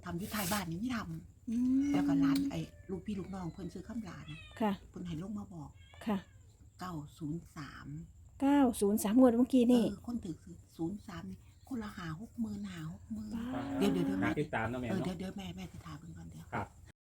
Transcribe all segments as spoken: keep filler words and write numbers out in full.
ทำอยู่ท้ายบ้านนี่ไม่ทอืมำแล้วก็ร้านไอ้ลูกพี่ลูกน้องเพิ่นซื้อข้ามร้านค่ะเพิ่นให้ลงมาบอกค่ะเก้าศูนย์สามเก้าศูนย์สามงวดเมื่อกี้เอนี่อคนถือคือศูนย์สามนี่คนละหาหกหมื่นหาหกหมื่นบ้าเดี๋ยวเดี๋ยวเดี๋ยวหาแม่ติดตามเนาะแม่เออเนาะเดี๋ยวเดี๋ยวแม่แม่จะถามเพิ่นก่อนเดี๋ยวครับ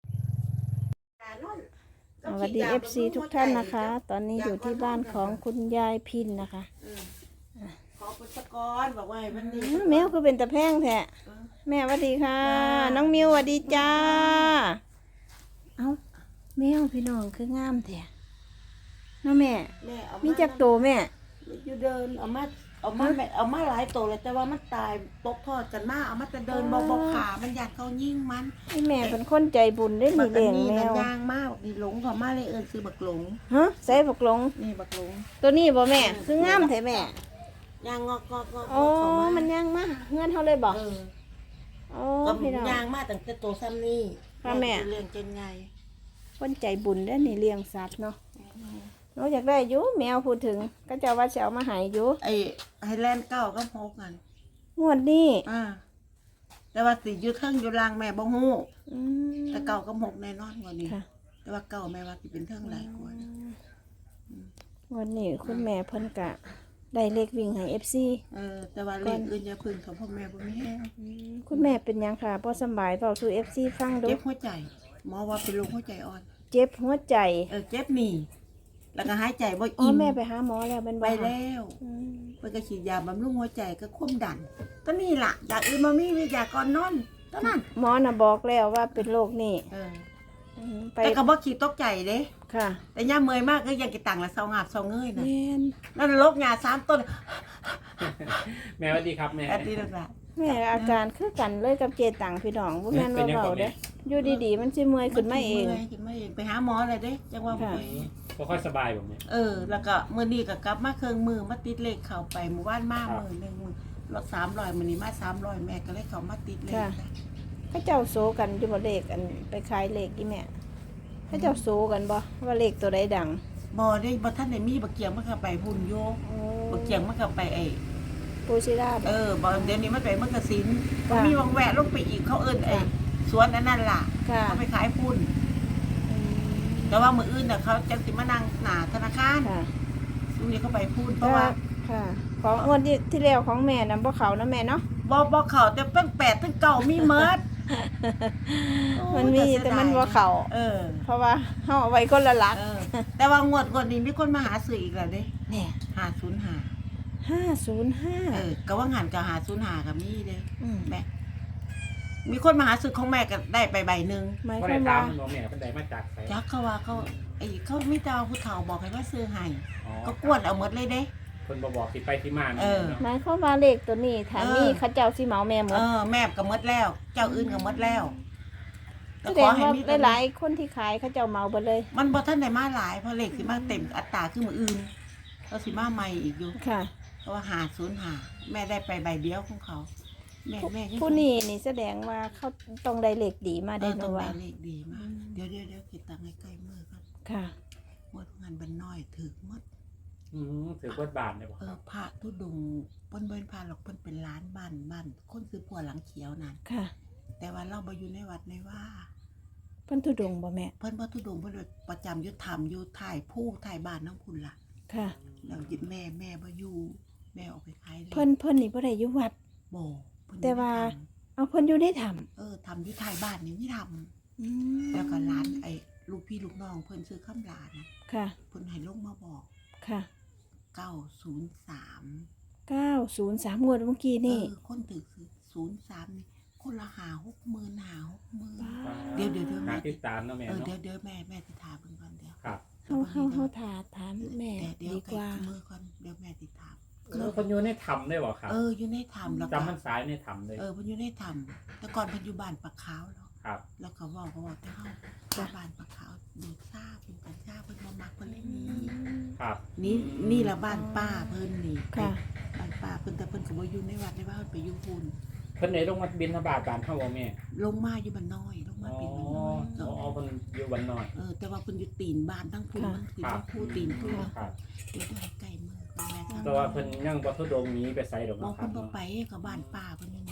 สวัสดี เอฟ ซี ทุกท่านนะคะ ตอนนี้อยู่ที่บ้านของคุณยายพินนะคะขอพุทธกรบอกว่าให้มันนี่อื้อแมวคือเป็นตะแพงแท้แม่สวัสดีค่ะจ้าน้องมิวสวัสดีจ้า เอ้าแมวพี่น้องคืองามแท้เน้องแม่แม่เอามีมีจักโตแม่อยู่เดินเอามาเอามาแม่เอามาหลายตัวเลยแต่ว่ามันตายตกทอดกันมาเอามาแต่เดินบ่บ่ขามันอยากเขายิ่งมันไอ้แม่เป็นคนใจบุญได้หนีบักเลี้ยงนี่แมมันวย่างมากนี่หลงเขามาเลยเอิ้นซื้อบักหลงฮะใส่บักหลงนี่บักหลงตัวนี้บ่แม่คืองามแท้แม่ย่างงอกงอกงอกโอ้เขามามันย่างมาเงื่อนเขาเลยบ่เออโอ้ก็พี่น้องย่างมาตั้งแต่ตัวซ้ำนี่ค่ะแม่เลี้ยงจนไงคนใจบุญได้หนีเลี้ยงสัตว์เนาะนอกจากได้อยู่แมวพูดถึงก็จะว่าจะเอามาใหายอยู่ไอ้ไฮแลนด์เก้าก็พกกันงวดนี้อ่าแต่ว่าสิอยู่เทิงอยู่ล่างแม่บ่ฮู้อืมแต่เก่าก็หกแน่นอนกว่านี้ค่ะแต่ว่าเก่าแม่ว่าสิเป็นเทิงหลายกว่านะงวดนี้คุณแม่เพิ่นกะได้เลขวิ่งให้ เอฟ ซีเออแต่ว่าเลขอื่นอย่าพึ่งเขาพ่อแม่บ่มีแห้งคุณแม่เป็นหยังค่ะบ่สำบายเว้าสู่ เอฟ ซี ฟังดูเจ็บหัวใจหมอว่าเป็นโรคหัวใจอ่อนเจ็บหัวใจเออเจ็บหนีแล้วก็หายใจบ่อ๋ออิ่มแม่ไปหาหมอแล้วเป็นไปบ่คะแล้วอืมเพิ่นก็ฉีดยาบำรุงหัวใจก็ความดันก็นี่ล่ะอยากอื่นบ่มีมียาก่อนนอนเท่านั้นหมอน่ะบอกแล้วว่าเป็นโรคนี้เอออืมไปแต่ก็บ่ขี้ตกใจเด้ค่ะแต่ย่ามเมื่อยมากก็ยังกินตังละเซางาบเซาเงยน่ะแม่นนั่นโรคหญ้าสามต้นแม่สวัสดีครับแม่อันนี้ล่ะแม่อาการคือกันเลยกับเจตังพี่น้องบ่แม่นว่าเว้าเด้อยู่ดีๆมันสิเมื่อยขึ้นมาเองขึ้นมาเองไปหาหมอเลยเด้จังว่าบ่ค่ะไปบ่ค่อยสบายผมเนี่ยเออ แล้วก็มื้อนี้ก็กลับมาเครื่องมือมาติดเลขเข้าไปเมื่อวานมาครับมื้อหนึงมื้อละสามร้อยมื้อนี้มาสามร้อยแม่ก็เลยเข้ามาติดเลขเขาเจ้าโซกันอยู่บ่เลขอันไปขายเลขอีแม่เขาเจ้าโซกันบ่ว่าเลขตัวใดดังบ่ได้บ่ทันได้มีบักเกียงมันก็ไปพุ่นโยบักเกียงมันก็ไปไอ้ปูซิราบเออบ่เดี๋ยวนี้มันไปมันก็สินค่ะมีวังแวะลงไปอีกเขาเอิ้นไอ้สวนอันนั้นล่ะค่ะเขาไปขายพุ่น แต่ว่ามื้ออื่นน่ะเขาจังสิมานั่งหน้าธนาคารค่ะตรงนี้เขาไปพุ่นเพแต่ราะว่าว่าค่ะ ของงวดที่ที่แล้วของแม่นำบ่เขานะแม่เนาะบ่บ่เข้าแต่เพิ่งแปดถึงเก้ามีเมิดมันมีแต่มันบ่เขาเออเพราะว่าเฮาเอาไว้คนละหลักเออ แต่ว่างวดงวดนี้มีคนมาหาซื้ออีกแล้วเด้แน่ห้าศูนย์ห้าห้าศูนย์ห้าเออก็ว่าหันกับหาศูนย์ห้าก็มีเด้อืมแม่มีคนมาหาซื้อของแม่ก็ได้ไปใบหนึงหมายคบ่วาได้มตาว่ามมันบ่แม่เป็นไดมาจากไสจักเขาว่าเขาไอ้เขามีแต่ว่าผู้เฒ่าบอกให้ว่าซื้อให้อ๋อก็กวนเอาหมดเลยเด้เพิ่นบ่บอกที่ไปที่มาเออเนาะหมายความว่าเลขตัวนี้ถ้าเออมีเขาเจ้าสิเหมาแม่หมเอดอแม่ก็หมดแล้ว เจ้าอื่นก็หมดแล้วแสดงว่าหลายๆคนที่ขายเขาเจ้าเหมาเบิดเลยมันบ่ทันได้มาหลายเพราะเลขสิมาเต็มอัตราคือมื้ออื่นก็สิมาใหม่อีกอยู่ค่ะเพราะว่าหาศูนย์หาแม่ได้ไปใบเดียวของเขา แม่แม่ยังผู้นี้นี่แสดงว่าเขาต้องได้เลขดีมาเอได้อต้นะองว่าได้เลขดีมาก เดี๋ยวเดี๋ยวเดี๋ยวคิดตังค์ให้ใกล้มือก่อนค่ะหมดงานบันน้อยถึกหมดอือถือบทบาทได้บ่เอคอรับพระทุดงค์เปิ้นเบิ้นพาหรอกเปิ้นเป็นร้านบ้านบ้านคนซื้อผัวหลังเขียวนั่นค่ะแต่ว่าเราบ่อยู่ในวัดในว่าเพิ่นทุดงค์บ่แม่เพิ่นบ่ทุดงค์เพิ่นประจำอยู่ธรรมอยู่ถ่ายผู้ถ่ายบ้านน้องพุ่นล่ะค่ะแล้วยึดแม่แม่บ่อยู่แม่ออกไปขายลยเพิ่นเพิ่นนี่บ่ได้อยู่วัดบ่เพิ่นแต่ว่าไม่ทเอาเพิ่นอยู่ได้ทำำเออทำอยู่ถ่ายบ้านนี่ไม่ทำอืมแล้วก็ร้านไอ้ลูกพี่ลูกน้องเพิ่นซื้อข้ามร้านค่ะเพิ่นให้ลงมาบอกค่ะเก้าศูนย์สามเก้าศูนย์สามงวดเมื่อกี้นี่เออคนถือคือศูนย์สามนี่คนละหาหกหมื่นหาหกหมื่นบ้าเดี๋ยวเดี๋ยวเดี๋ยวหาแม่ติดตามเนาะแม่เออเนาะเดี๋ยวเดี๋ยวแม่แม่ติดถามเพิ่นก่อนเดี๋ยวครับเฮาเฮาเฮาถาถามแม่แต่เดี๋ยวดีใกกล้ว่ามือก่อนเดี๋ยวแม่ติดถามเออเพิ่นอยู่ในถ้ำได้บ่ครับเอออยู่ในถ้ำแล้วก็จำมันสายในถ้ำเลยเออเพิ่นอยู่ในถ้ำแต่ก่อนเพิ่นอยู่บ้านปากขาวเนาะครับแล้วก็เว้าก็เว้าแต่เฮาถ้าบ้านปากขาวดูดซ่าเพิ่นกันซ่าเพิ่นบ่มักเพิ่นเลยหนี่ครับนี่นี่ละบ้านป้าเพิ่นนี่ค่ะบ้านป้าเพิ่นแต่เพิ่นก็บ่อยู่ในวัดในบ้านเพิ่นไปอยู่พุ่นเพิ่นได้ลงมาบิณฑบาตบ้านเฮาบ่แม่ลงมาอยู่บ้านน้อยลงมาอ๋อเป็นบ้านน้อยเออ๋ออเพิ่นอยู่วันน้อยเออแต่ว่าเพิ่นอยู่ตีนบ้านทั้งพุ่นค่ะมันสิครัว่าบผู้ตีนพุ่นครับเดี๋ยวได้ใกล้มือของแม่ทำแต่ว่าเพิ่นยังบ่ทุดงหนี้ไปไสดอกบอกเนาะครัเพิ่บนบ่ไปกับบ้านป้าเพิ่นอยู่นี่นี่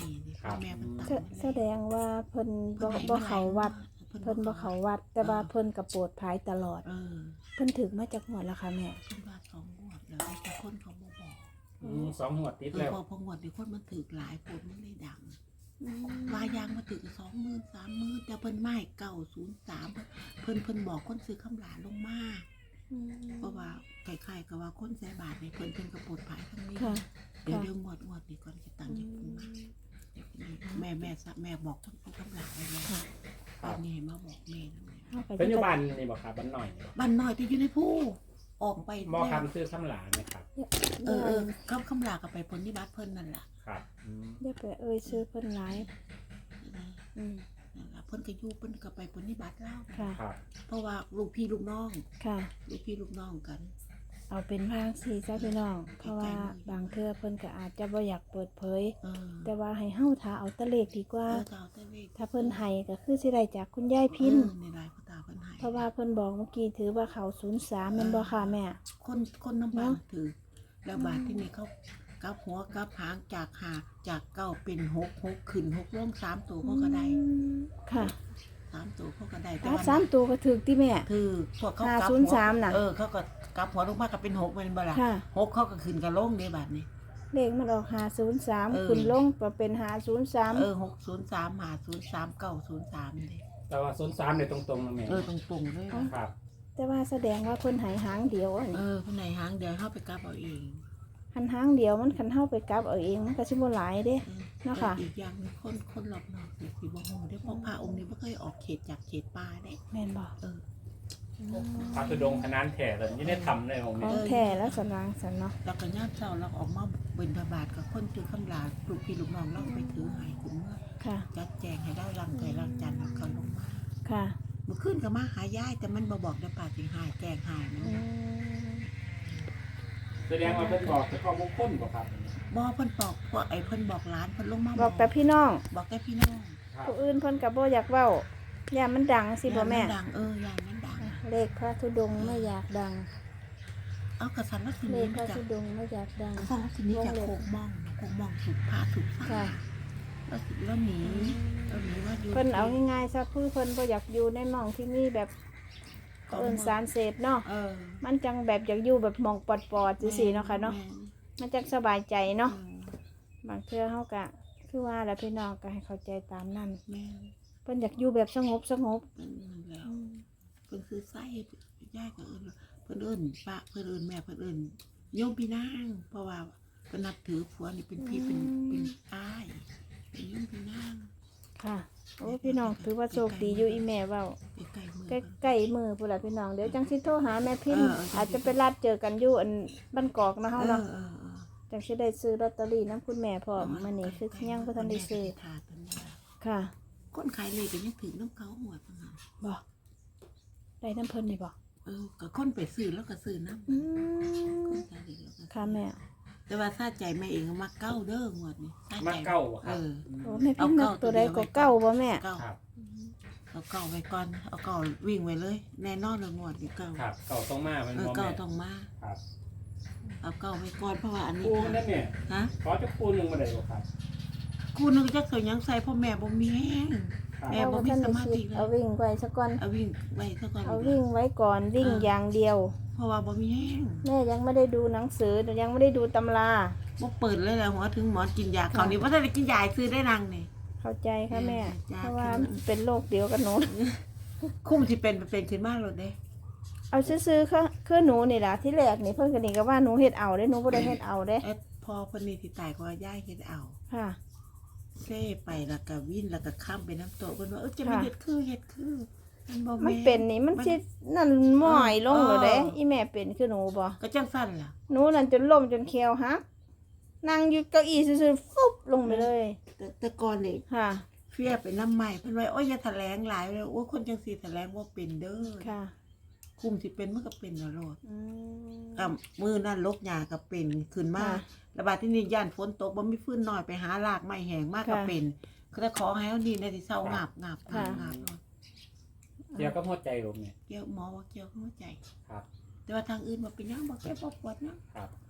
ครับแม่เพิ่นตายแสแสดงว่าเพิ่นบ่บ่เข้าวัดเพิ่นบ่เข้าวัด แต่ว่าเพิ่นก็โปรดภายตลอดเออเพิ่นถึกมาจากหัวแล้วค่ะแม่เพิ่นว่าสองงวดแล้วแต่คนเขาบ่บอกอืมสองหัวดติดเออแล้วพอพองวดนี่คนมันถือหลายคนมันเลยดังอืมว่ายางมาถือสองหมื่นสามหมื่นแต่เพิ่นไม่เก้าศูนย์สามเพิ่นเพิ่นบอกคนซื้อคำหลานลงมาอืมเพราะว่าใครๆก็ว่าคนใส่บาทนี่เพิ่นเพิ่นก็ปลดภายทั้งนี้ค่ะเดี๋ยวค่ะเรื่องงวดงวดนี่ก่อนสิตังค์จะปรุงมาแม่แม่ซะแม่บอกคนซื้อคำหลานไว้แล้วค่ะตอนนี้ให้มาบอกแม่นะแม่เอาไปเป็นอยู่บ้านนี่บ่ครับบ้านหน่อยนี่บ่บ้านน้อยที่อยู่ในผู้ออกไปหมอแล้วคำซื้อคำหลานไหมครับเออเออคำคำลากับไปผลนิบัติเพิ่นนั่นล่ะครับอืมอย่าไปเอ่ยชื่อเพิ่นหลายอืมนั่นล่ะเพิ่นก็อยู่เพิ่นก็ไปผลนิบัติแล้วค่ะครับเพราะว่าลูกพี่ลูกน้องค่ะลูกพี่ลูกน้องกันเอาเป็นพางสีซะพี่น้อง เพราะว่าบางเทื่อเพิ่นก็อาจจะบ่อยากเปิดเผยเออแต่ว่าให้เฮาถ้าเอาแตะเลขดีกว่าเออตาแต่เลขถ้าเพิ่นให้ก็คือสิได้จากคุณยายพินเออในรายพ่อตาเพิ่นให้เพราะว่าเพิ่นบอกเมื่อกี้ถือว่าเขาศูนย์สามแม่นบ่ค่ะแม่คนคนน้ำบาเนาะนถือ แล้วบาทที่นี่เขากลับหัวกลับหางจากหาจากเก้าเป็นหกหกขึ้นหกลงสามตัวเขาก็ได้อืมค่ะสามตัวเขาก็ได้แต่อ่าว่าสามตัวก็ถูกที่แม่คือพวกเขาห้ากลับศูหันวย์สามน่ะเออเขาก็กลับหัวลงมาก็เป็นหกเป็นบ่ล่ะค่ะหกเขาก็ขึ้นกับลงในบาทนี้เลขมันออกห้าศูนย์สามเออขึ้นลงก็เป็นห้าศูนย์สามเออหกศูนย์สามหาศูนย์สามเก้าศูนย์สามเลยแต่ว่าศูนย์สามเนี่ยตรงๆนะแม่เออตรงๆเลยครับแต่ว่าแสดงว่าเพิ่นใหายหางเดียวอันเอนี้อคนไหนหางเดี๋ยวเข้าไปกลับเอาเองหันหางเดียวมันคันเฮาไปกลับเอาเองมันก็สิบ่หลายเด้เออเนาะค่ะแต่อีกอย่างหนึงคนคนหลอกหลอกสิสิบ่ฮู้ได้เพราะพระองค์นี้บ่เคยออกเขตจากเขตป่าได้แม่นบ่เออพระธุดงค์ขนานแถ่เลยยี่ได้ทำเลยผมขนี่องแท้แล้วสนางสันเนาะแล้วก็ย่ามเช้าเราออกมาเบิณฑบาตกับคนถือคำลาลูกพี่ลูกน้องเราไปถือให้คุณเมื่อค่ะจัดแจงให้ได้รังไก่รังจันทร์เอาเขาลงมาค่ะเมื่อคืนก็มาหายายแต่มันบ่บอกได้ป่าสิหายแกล้งหายมันอืมแสดงว่าเพิ่นบอกจะเข้าบุคคลบ่ครับบ่เพิ่นบอกพวกไอ้เพิ่นบอกหลานเพิ่นลงมาบอกแต่พี่น้องบอกแต่พี่น้องครับผู้อื่นเพิ่นก็บ่อยากเว้าอย่ามันดังสิบ่แม่ยายนดังเออยายมันดังเลขพระธุดงค์ไม่อยากดังเอากระสันลักษเลณีขพระจากธุดงค์ไม่อยากดังกระสันลักษณีจากโคกมองโคกมองถูกพาถูกค่ะซ่าแล้วสิแล้วหนีแล้วหนีว่าอยู่เพิ่นเอาง่ายๆซะคือเพิ่นบ่อยากอยู่ในหม่องที่มีแบบเอิ้นสารเสพเนาะเออมันจังแบบอยากอยู่แบบหม่องปลอดๆจังซี่เนาะค่ะเนาะ มันจังสบายใจเนาะ บางเทื่อเฮาก็คือว่าแล้วพี่น้องก็ให้เข้าใจตามนั้นแม่เพิ่นอยากอยู่แบบสงบสงบเป็นนั่นแล้วเพิ่นคือไส้ย่ายก็เอิ้นเพิ่นเอิ้นป้าเพิ่นเอิ้นแม่เพิ่นเอิ้นโยมพี่นางเพราะว่าเพิ่นนับถือผัวนี่เป็นพี่เป็นเป็นอ้ายเป็นโยมพี่นางค่ะโอ้พี่น้องถือว่าโชคดีอยู่อีแม่เว้าใกล้ๆมือใกล้ๆมือพุ่นล่ะพี่น้องเดี๋ยวจังสิโทรหาแม่พิมพ์เออเอออาจจะไปรัดเจอกันอยู่อันบ้านกอกนะเอเฮาอเนาะเออเออจังสิได้ซื้อลอตเตอรี่น้ำคุณแม่พร้อมมื้อนี้คือยังบ่ทันได้ซื้อถาดตัวนี้ล่ะค่ะคนขายเลยก็ยังถือน้ำเขาหัวต่างหากบ่ได้น้ำเพิ่นนี่บ่เออก็คนไปซื้อแล้วก็ซื้อน้ำอืมคนขายเลยแล้วก็ซื้อค่ะแม่แต่ว่าซาใจแม่เองก็มาเก้าเด้อหมดนี่ซมาใจเก้าบ่คเอรับอโอ้แม่พิมพ์นักตัวใดก็เก้าบ่แม่เก้าครับเอาเก้าไว้ก่อนเอาเก้าวิ่งไว้เลย แน่นอนเลยงวดนี่เก้าครับเก่าต้องมามันเออบ่เก้าแม่ต้องมาครับเอาเก้าไว้ก่อนเพราะว่าอันนี้ปูมันได้เนี่ยฮะขอจะปูหนึ่งมาได้บ่ครับกูนึกจะเคยยังใส่พ่อแม่บ่มีแห้งครับแม่ บ่มีสมาธิเลยเอาวิ่งไว้ซะก่อนเอาวิ่งไว้ซะก่อนเอาวิ่งไว้ก่อนวิ่งอย่างเดียวเพราะว่าบ่มีแห้งแม่ยังไม่ได้ดูหนังสือยังไม่ได้ดูตำราบ่เปิดเลยแหละหัวถึงหมอนกินยาเขาวนี่บ่ทันได้กินยาให้ซื้อได้นางนี่เข้าใจค่ะแม่จ้าเพราะว่าค่ะมันเป็นโรคเดียวกับหนูคุ้มสิเป็นเป็นขึ้นมาโลดเด้เอาซื้อๆคือคือหนูนี่ล่ะที่แรกนี่เพิ่นก็นี่ก็ว่าหนูเฮ็ดเอาเด้หนูบ่ได้เฮ็ดเอาเด้เอ็ดพอเพิ่นนี่สิตายก็ว่าย่ายเฮ็ดเอาค่ะเซ่ไปแล้วก็วินแล้วก็ข้ามไปน้ำโตะเพิ่นว่าเออจะมาค่ะเฮ็ดคือเฮ็ดคือมันบ่มันแม่เป็นนี่มันสินั่นหม้อยลงแล้วเด้เอออีแม่เป็นคือหนูบ่ก็จังซั่นล่ะหนูนั่นจนล้มจนแขวหักนั่งอยู่เก้าอี้ซื่อๆฟุบลงไปเลยแต่แต่ก่อนนี่ค่ะเฟียไปน้ำใหม่เพิ่นว่าโอ้ยอย่าแถลงหลายเลยโอ้ยคนจังซี่แถลงว่าเป็นเด้อค่ะคุมสิเป็นมันก็เป็นน่ะโลดอืมกับมือนั่นลกหญ้าก็เป็นขึ้นมาค่ะระบาดที่นี่ย่านฝนตกบ่มีฟืนน้อยไปหารากไม้แห้งมากก็ค่ะเป็นคือถ้าขอให้เฮาดีในที่เศร้างับงับค่ะงับโลดเกี่ยวกับหัวใจผมเนี่ยเกี่ยวหมอว่าเกี่ยวกับหัวใจครับแต่ว่าทางอื่นบ่เป็นหยังบ่เจ็บบ่ปวดหยังครับ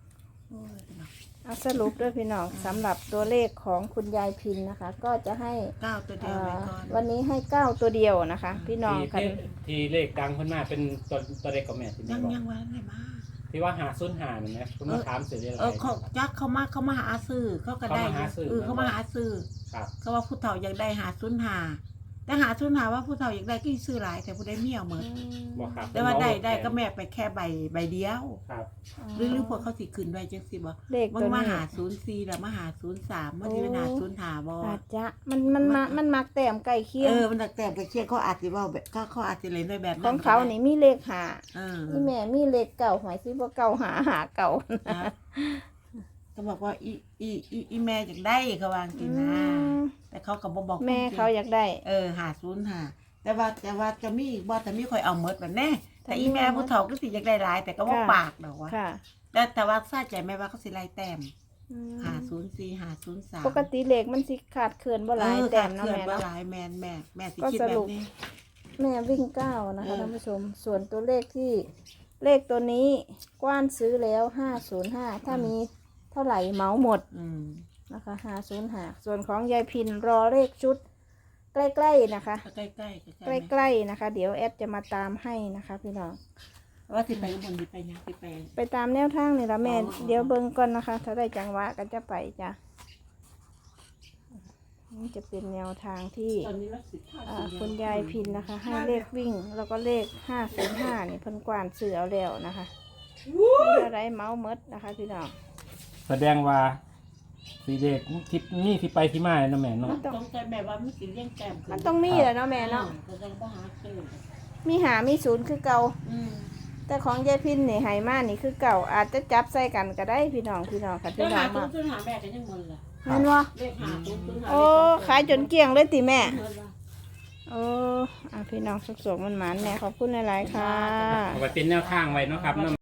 โอ้ยเนาะเอาสรุปด้วยพี่น้องสำหรับตัวเลขของคุณยายพินนะคะ ก็จะให้เก้าตัวเดีเอ่ยวไว้อก่อนวันนี้ให้เก้าตัวเดียวนะคะ พี่น้องที่กันที่ที่เลขดังขึ้นมาเป็นตัวตัวเลขกับแม่ที่ยัแม่งบอกยังวันไหนมาที่ว่าหาซุนหาเนี่ยนะคุณมาถามเสร็จได้ไรเออเขาจักเขามาเขามาหาซื้อเขาก็ได้เขามาหาซื้อเออเขามาหาซื้อครับเขาว่าผู้เฒ่าอยากได้หาซุนหาแต่หาซุนหาว่าผู้เฒ่าอยากได้ก็ซื้อหลายแต่ผู้ได้เมียเหมือนบอกครับแต่ว่าได้ได้ก็แม่ไปแค่ใบใบเดียวครับหรือหรือพวกเขาสิขึ้นไว้จังสิบ่เลขมัตันวมานี้หาศูนย์สี่แล้วมาหาศูนย์สามมันสิเป็นหาศูนย์หาบ่อาจจะมันมันมามันมักแต้มใกล้เคียเอง อมันแต่แต่เคียงเขาอาจสิเว้าแบบก็เขาอาจสิเล่นด้วยแบบขนั้อน งเขานี่มีเลขหาเออนี่แม่มีเลขเก่าหมายสิว่าเก่าหาหาเก่านะก็บอกว่าอีอีอีอีแม่อยากได้เขาวาจังสินะ แต่เขาก็บ่บอกแม่เขาอยากได้เออหาศูนย์หาแต่ว่าแต่ว่าจะมีบ่แต่มีค่อยเอาหมดแบบแน่แต่อีแม่ผู้เฒ่าก็สิอยากได้หลายแต่ก็บ่ค่ะปากดอกว่าค่ะแต่แต่ว่าทราบใจแม่ว่าเขาสิไล่แต้มอืมหาศูนย์สี่หาศูนย์สามปกติเลขมันสิขาดเขื่อนบ่หลายแต้มเนาะเขื่อนแม่บ่เนาะหลายแม่นแม่แม่สิก็คิดสแบรุบปนี้แม่วิ่งเก้านะคะเออท่านผู้ชม ส่วนตัวเลขที่เลขตัวนี้กว้านซื้อแล้วห้าศูนย์ห้าถ้ามีเท่าไหร่เหมาหมดอืมนะคะห้าศูนย์ห้าส่วนของยายพินรอเลขชุด ใกล้ๆนะคะใกล้ๆใกล้ๆใกล้ๆนะคะ เดี๋ยวแอดจะมาตามให้นะคะพี่น้องว่าสิไปอุบลสิไปยังสิไปไปตามแนวทางนี่ละแม่อ๋อเดี๋ยวเบิ่งก่อนนะคะ ถ้าได้จังหวะก็จะไปจ้ะนี่จะเป็นแนวทางที่ตอนนี้รักสิท่าอ่าสีคุณยายพินนะคะ ให้เลขวิ่ง แล้วก็เลขห้าศูนย์ห้านี่เพิ่นกวานเสือเอาแล้วนะคะมีอะไรเมาส์มดนะคะพี่น้องแสดงว่าสีเด็กทิศนี่ที่ไปที่มาเลยนะแม่เนาะต้องใจแม่ว่ามันสิเลี้ยงแต้มขึ้มันต้องมีแหละเนาะแม่เนาะแต่ยังบ่หาซื้อมีหามีศูนย์คือเก่าอืมแต่ของยายพินนี่ไหมานี่คือเก่า อาจจะจับใส่กันก็ได้พี่น้องพี่น้องค่ะเดี๋พี่ยวน้อหาง ศูมานย์ศูนย์หาแม่ก็ยังบ่ล่ะแม่นวะเลขหาศูนย์ศูนย์หาโอ้ขายจนเกลี้ยงเลยติแม่เงินละโอ้อ่ะพี่น้องสุขสมันหมานๆแม่ขอบคุณหลายๆค่ะเอาไปเป็นแนวทางไว้เนาะครับ